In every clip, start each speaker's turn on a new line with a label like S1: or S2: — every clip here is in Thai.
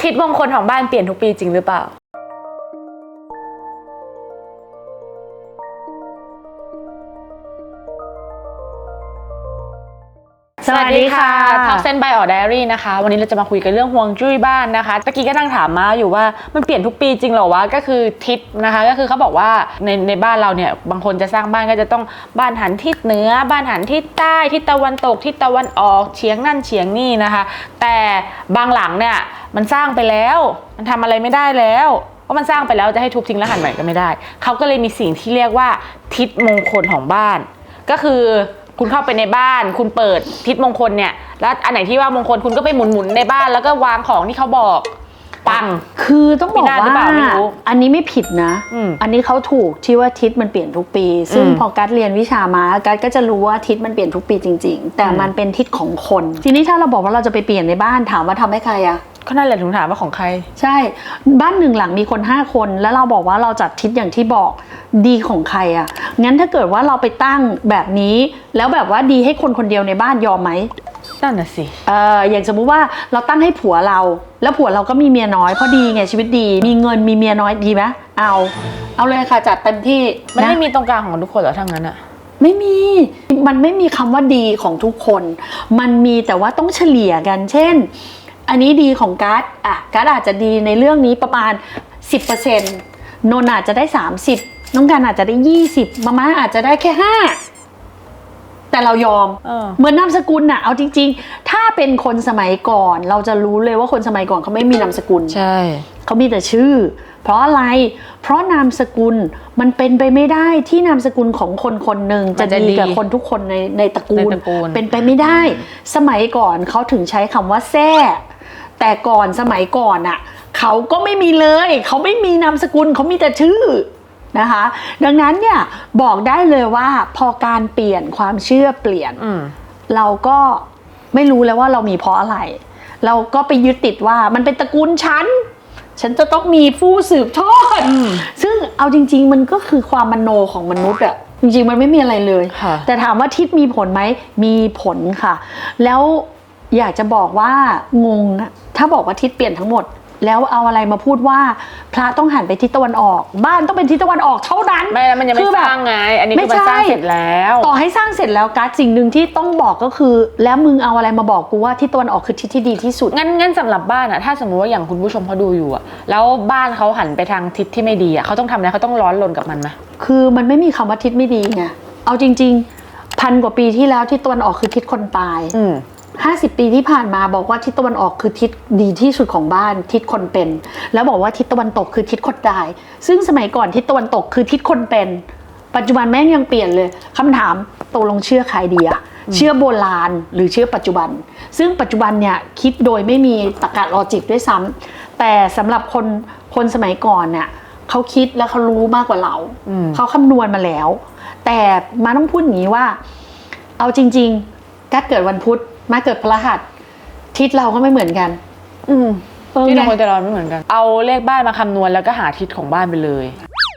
S1: ทิศมงคลของบ้านเปลี่ยนทุกปีจริงหรือเปล่าสวัสดีค่ะท็อกเซนบายออไดอารี่นะคะวันนี้เราจะมาคุยกันเรื่องฮวงจุ้ยบ้านนะคะตะกี้ก็นั่งถามมาอยู่ว่ามันเปลี่ยนทุกปีจริงเหรอวะก็คือทิศนะคะก็คือเขาบอกว่าในบ้านเราเนี่ยบางคนจะสร้างบ้านก็จะต้องบ้านหันทิศเหนือบ้านหันทิศใต้ทิศตะวันตกทิศตะวันออกเฉียงนั่นเฉียงนี่นะคะแต่บางหลังเนี่ยมันสร้างไปแล้วมันทำอะไรไม่ได้แล้วเพราะมันสร้างไปแล้วจะให้ทุบทิ้งแล้วหันใหม่ก็ไม่ได้เขาก็เลยมีสิ่งที่เรียกว่าทิศมงคลของบ้านก็คือคุณเข้าไปในบ้านคุณเปิดทิศมงคลเนี่ยแล้วอันไหนที่ว่ามงคลคุณก็ไปหมุนในบ้านแล้วก็วางของที่เขาบอกปัง
S2: คือต้องบอกว่าอันนี้ไม่ผิดนะอันนี้เขาถูกที่ว่าทิศมันเปลี่ยนทุกปีซึ่งพอกัสเรียนวิชามากัสก็จะรู้ว่าทิศมันเปลี่ยนทุกปีจริงๆแต่มันเป็นทิศของคนทีนี้ถ้าเราบอกว่าเราจะไปเปลี่ยนในบ้านถามว่าทำให้ใครอะ
S1: ก็นั่นแหละถึงถามว่าของใคร
S2: ใช่บ้านหนึ่งหลังมีคน5คนแล้วเราบอกว่าเราจัดทิศอย่างที่บอกดีของใครอะงั้นถ้าเกิดว่าเราไปตั้งแบบนี้แล้วแบบว่าดีให้คนคนเดียวในบ้านยอมไหม
S1: นั่นน่ะสิ
S2: อย่างสมมุติว่าเราตั้งให้ผัวเราแล้วผัวเราก็มีเมียน้อยเพราะดีไงชีวิตดีมีเงินมีเมียน้อยดีไหมเอาเลยค่ะจัดเต็มที่
S1: มันไม่มีตรงกลางของทุกคนเหรอทั้งนั้นอะ
S2: ไม่มีมันไม่มีคำว่าดีของทุกคนมันมีแต่ว่าต้องเฉลี่ยกันเช่นอันนี้ดีของกัสกัสอาจจะดีในเรื่องนี้ประมาณ 10% นนอาจจะได้30น้องกันอาจจะได้20มาม่าอาจจะได้แค่5แต่เรายอมเหมือนนามสกุลน่ะเอาจริงๆถ้าเป็นคนสมัยก่อนเราจะรู้เลยว่าคนสมัยก่อนเขาไม่มีนามสกุล
S1: ใช่
S2: เขามีแต่ชื่อเพราะอะไรเพราะนามสกุลมันเป็นไปไม่ได้ที่นามสกุลของคนคนหนึ่งจะดีกับคนทุกคนในตระกูลเป็นไปไม่ได้สมัยก่อนเขาถึงใช้คำว่าแท้แต่ก่อนสมัยก่อนอ่ะเขาก็ไม่มีเลยเขาไม่มีนามสกุลเขามีแต่ชื่อนะคะดังนั้นเนี่ยบอกได้เลยว่าพอการเปลี่ยนความเชื่อเปลี่ยนเราก็ไม่รู้แล้วว่าเรามีเพราะอะไรเราก็ไปยึดติดว่ามันเป็นตระกูลฉันจะต้องมีผู้สืบทอดซึ่งเอาจริงๆมันก็คือความมโนของมนุษย์อะจริงๆมันไม่มีอะไรเลยแต่ถามว่าทิศมีผลไหมมีผลค่ะแล้วอยากจะบอกว่างงนะถ้าบอกว่าทิศเปลี่ยนทั้งหมดแล้วเอาอะไรมาพูดว่าพระต้องหันไปทิศตะวันออกบ้านต้องเป็นทิศตะวันออกเท่านั้น
S1: ไม่มันยังไม่สร้างไงอันนี้คือมันสร้างเสร็จแล้ว
S2: ต่อให้สร้างเสร็จแล้วการสิ่งหนึ่งที่ต้องบอกก็คือแล้วมึงเอาอะไรมาบอกกูว่าทิศตะวันออกคือทิศที่ดีที่สุด
S1: งั้นสำหรับบ้านอะถ้าสมมติว่าอย่างคุณผู้ชมเขาดูอยู่อะแล้วบ้านเขาหันไปทางทิศที่ไม่ดีอะเขาต้องทำอะไรเขาต้องร้อนรนกับมันไหม
S2: คือมันไม่มีคำว่าทิศไม่ดีไงเอาจริงๆ1,000 กว่าปีที่แล้วทิศตะวันออกคือทิศคนตาย50 ปีที่ผ่านมาบอกว่าทิศตะวันออกคือทิศดีที่สุดของบ้านทิศคนเป็นแล้วบอกว่าทิศตะวันตกคือทิศคนตายซึ่งสมัยก่อนทิศตะวันตกคือทิศคนเป็นปัจจุบันแม่งยังเปลี่ยนเลยคำถามตกลงเชื่อใครดีอะเชื่อโบราณหรือเชื่อปัจจุบันซึ่งปัจจุบันเนี่ยคิดโดยไม่มีตรรกะลอจิกด้วยซ้ำแต่สำหรับคนสมัยก่อนเนี่ยเขาคิดและเขารู้มากกว่าเราเขาคำนวณมาแล้วแต่มาต้องพูดอย่างนี้ว่าเอาจริงๆกัดเกิดวันพุธมาเกิดพฤหัสทิศเราก็ไม่เหมือนกัน
S1: ที่เราคนแต่เราไม่เหมือนกันเอาเลขบ้านมาคำนวณแล้วก็หาทิศของบ้านไปเลย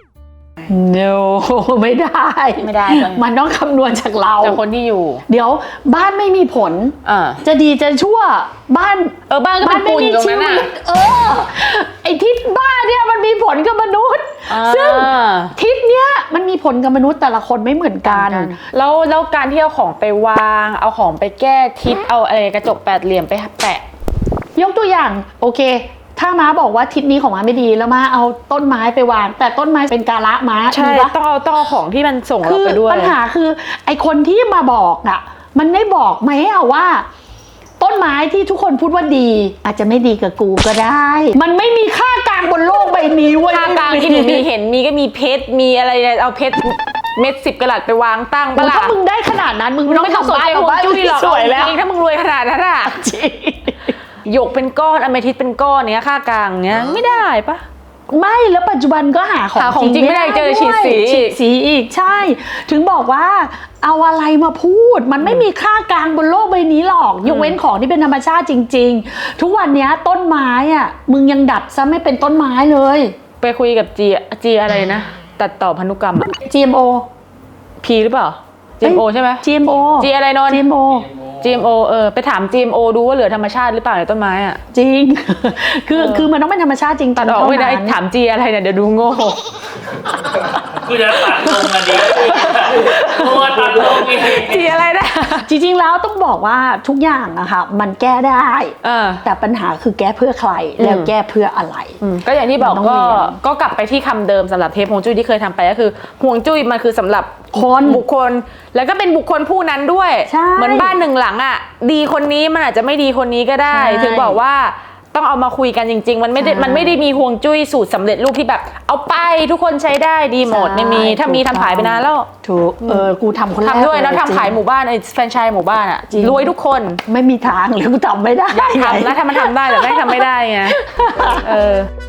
S2: no ไม่ได้มันต้องคำนวณจากเรา
S1: จากคนที่อยู่
S2: เดี๋ยวบ้านไม่มีผลจะดีจะชั่วบ้าน
S1: บ้านก็เป็นปุ่นตรงนั้น
S2: ไอทิศบ้านเนี่ยมันมีผลกับมนุษย์ซึ่งทิศเนี้ยมันมีผลกับมนุษย์แต่ละคนไม่เหมือนกัน
S1: แล้วการที่เอาของไปวางเอาของไปแก้ทิศเอาอะไรกระจก8 เหลี่ยมไปแปะ
S2: ยกตัวอย่างโอเคถ้าม้าบอกว่าทิศนี้ของม้าไม่ดีแล้วม้าเอาต้นไม้ไปวางแต่ต้นไม้เป็นกาละม้า
S1: ใช่ต้องเอาของที่มันส่งเราไปด้วย
S2: ปัญหาคือไอคนที่มาบอกอ่ะมันได้บอกไหมว่าต้นไม้ที่ทุกคนพูดว่าดีอาจจะไม่ดีกับกูก็ได้มันไม่มีค่ากลางบนโลกใบนี้เว้ย
S1: ค่ากลางที่มีเห็นมีก็มีเพชรมีอะไรเอาเพชรเม็ด10 กะรัตไปวางตั้ง
S2: ถ้ามึงได้ขนาดนั้นมึงไม่ต้อง
S1: สนใจของจุ้ยหรอกสวยแล้วถ้ามึงรวยขนาดนั้นอะหยกเป็นก้อนอเมทิสเป็นก้อนเนี้ยค่ากลางเนี้ยไม่ได้ปะ
S2: ไม่แล้วปัจจุบันก็หาของ
S1: จริงไม่ได้เจอฉีด
S2: สีอีกใช่ถึงบอกว่าเอาอะไรมาพูดมันไม่มีค่ากลางบนโลกใบนี้หรอกยกเว้นของที่เป็นธรรมชาติจริงๆทุกวันนี้ต้นไม้อ่ะมึงยังดัดซะไม่เป็นต้นไม้เลย
S1: ไปคุยกับจีอะไรนะตัดต่อพันธุกรรม
S2: GMO
S1: พีหรือเปล่า GMO ใช่ไหม
S2: GMO
S1: จีอะไรนน
S2: GMO
S1: GMO ไปถาม GMO ดูว่าเหลือธรรมชาติหรือเปล่าในต้นไม้อ่ะ
S2: จริง คือมันต้องเป็นธรรมชาติจริง
S1: ตัดออกไม่ได้ถาม G อะไรเนี่ยเดี๋ยวดูโง่
S3: กูจะตัดลงกันดีโอ้ตัดลงอีก
S1: G อะไรนะ
S2: จริงๆแล้วต้องบอกว่าทุกอย่างอะค่ะมันแก้ได้ แต่ปัญหาคือแก้เพื่อใครแล้วแก้เพื่ออะไร
S1: ก็อย่างที่บอก
S2: มันต้องเรียน
S1: ก็กลับไปที่คำเดิมสำหรับเทปฮวงจุ้ยที่เคยทำไปก็คือฮวงจุ้ยมันคือสำหรับ
S2: คน
S1: บุคคล แล้วก็เป็นบุคคลผู้นั้นด้วย
S2: ใช่
S1: เหมือนบ้านหนึ่งหลังอ่ะดีคนนี้มันอาจจะไม่ดีคนนี้ก็ได้
S2: ใช่
S1: ถึงบอกว่าต้องเอามาคุยกันจริง ๆ มันไม่ได้
S2: ใช่
S1: มันไม่ได้มีฮวงจุ้ยสูตรสำเร็จรูปที่แบบ เอาไปทุกคนใช้ได้ดีหมด
S2: ใช่
S1: ไม่มีถ้ามี
S2: ถูก
S1: ทำขายไปนานแล้ว
S2: ถูกกูทำคนแรก
S1: ทำด้วยแล้ว
S2: จริง
S1: ทำขายหมู่บ้านไอ้แฟรนไชส์หมู่บ้านอ่ะ
S2: จริง
S1: รวยทุกคน
S2: ไม่มีทางเลยกูทำไม่ได้
S1: อยากทำแล้วถ้ามันทำได้แต่ไม่งทำไม่ได้ไง